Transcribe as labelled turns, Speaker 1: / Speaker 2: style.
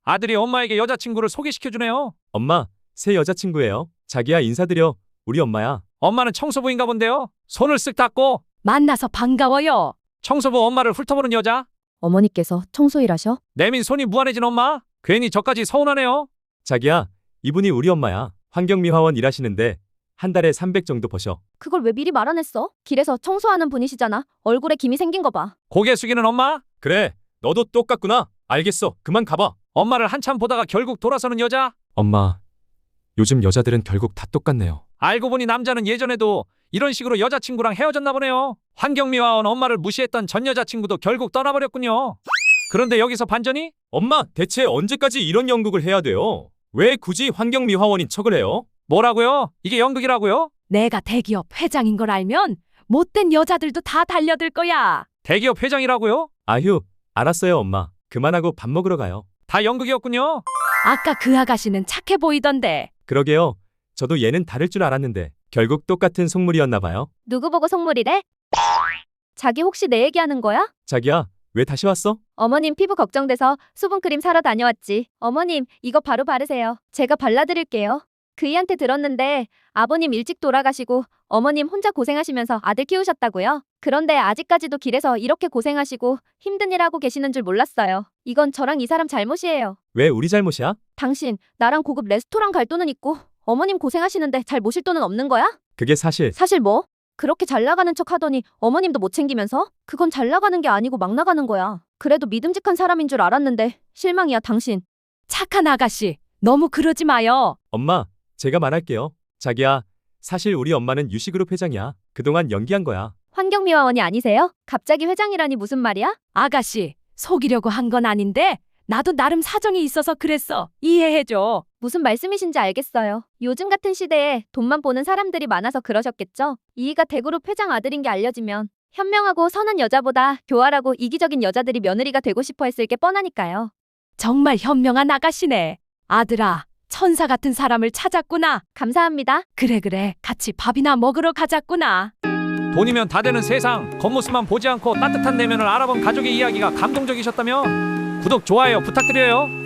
Speaker 1: 아들이 엄마에게 여자친구를 소개시켜주네요.
Speaker 2: 엄마, 새 여자친구예요. 자기야, 인사드려. 우리 엄마야.
Speaker 1: 엄마는 청소부인가 본데요. 손을 쓱 닦고.
Speaker 3: 만나서 반가워요.
Speaker 1: 청소부 엄마를 훑어보는 여자.
Speaker 4: 어머니께서 청소일하셔?
Speaker 1: 내민 손이 무한해진 엄마. 괜히 저까지 서운하네요.
Speaker 2: 자기야, 이분이 우리 엄마야. 환경미화원 일하시는데 한 달에 300 정도 버셔.
Speaker 4: 그걸 왜 미리 말 안 했어? 길에서 청소하는 분이시잖아. 얼굴에 김이 생긴 거 봐.
Speaker 1: 고개 숙이는 엄마.
Speaker 2: 그래, 너도 똑같구나. 알겠어. 그만 가봐.
Speaker 1: 엄마를 한참 보다가 결국 돌아서는 여자.
Speaker 2: 엄마, 요즘 여자들은 결국 다 똑같네요.
Speaker 1: 알고 보니 남자는 예전에도 이런 식으로 여자친구랑 헤어졌나 보네요. 환경미화원 엄마를 무시했던 전 여자친구도 결국 떠나버렸군요. 그런데 여기서 반전이?
Speaker 2: 엄마, 대체 언제까지 이런 연극을 해야 돼요? 왜 굳이 환경미화원인 척을 해요?
Speaker 1: 뭐라고요? 이게 연극이라고요?
Speaker 3: 내가 대기업 회장인 걸 알면 못된 여자들도 다 달려들 거야.
Speaker 1: 대기업 회장이라고요?
Speaker 2: 아휴, 알았어요, 엄마. 그만하고 밥 먹으러 가요.
Speaker 1: 다 연극이었군요.
Speaker 3: 아까 그 아가씨는 착해 보이던데.
Speaker 2: 그러게요. 저도 얘는 다를 줄 알았는데 결국 똑같은 속물이었나 봐요.
Speaker 4: 누구 보고 속물이래? 자기 혹시 내 얘기하는 거야?
Speaker 2: 자기야, 왜 다시 왔어?
Speaker 4: 어머님 피부 걱정돼서 수분크림 사러 다녀왔지. 어머님, 이거 바로 바르세요. 제가 발라드릴게요. 그이한테 들었는데 아버님 일찍 돌아가시고 어머님 혼자 고생하시면서 아들 키우셨다고요? 그런데 아직까지도 길에서 이렇게 고생하시고 힘든 일 하고 계시는 줄 몰랐어요. 이건 저랑 이 사람 잘못이에요.
Speaker 2: 왜 우리 잘못이야?
Speaker 4: 당신, 나랑 고급 레스토랑 갈 돈은 있고 어머님 고생하시는데 잘 모실 돈은 없는 거야?
Speaker 2: 그게 사실
Speaker 4: 사실 뭐? 그렇게 잘 나가는 척 하더니 어머님도 못 챙기면서? 그건 잘 나가는 게 아니고 막 나가는 거야. 그래도 믿음직한 사람인 줄 알았는데 실망이야, 당신.
Speaker 3: 착한 아가씨, 너무 그러지 마요.
Speaker 2: 엄마, 제가 말할게요. 자기야, 사실 우리 엄마는 유시그룹 회장이야. 그동안 연기한 거야.
Speaker 4: 환경미화원이 아니세요? 갑자기 회장이라니 무슨 말이야?
Speaker 3: 아가씨, 속이려고 한 건 아닌데 나도 나름 사정이 있어서 그랬어. 이해해줘.
Speaker 4: 무슨 말씀이신지 알겠어요. 요즘 같은 시대에 돈만 보는 사람들이 많아서 그러셨겠죠? 이이가 대그룹 회장 아들인 게 알려지면 현명하고 선한 여자보다 교활하고 이기적인 여자들이 며느리가 되고 싶어 했을 게 뻔하니까요.
Speaker 3: 정말 현명한 아가씨네. 아들아, 천사 같은 사람을 찾았구나.
Speaker 4: 감사합니다.
Speaker 3: 그래, 같이 밥이나 먹으러 가자꾸나.
Speaker 1: 돈이면 다 되는 세상. 겉모습만 보지 않고 따뜻한 내면을 알아본 가족의 이야기가 감동적이셨다며? 구독, 좋아요 부탁드려요.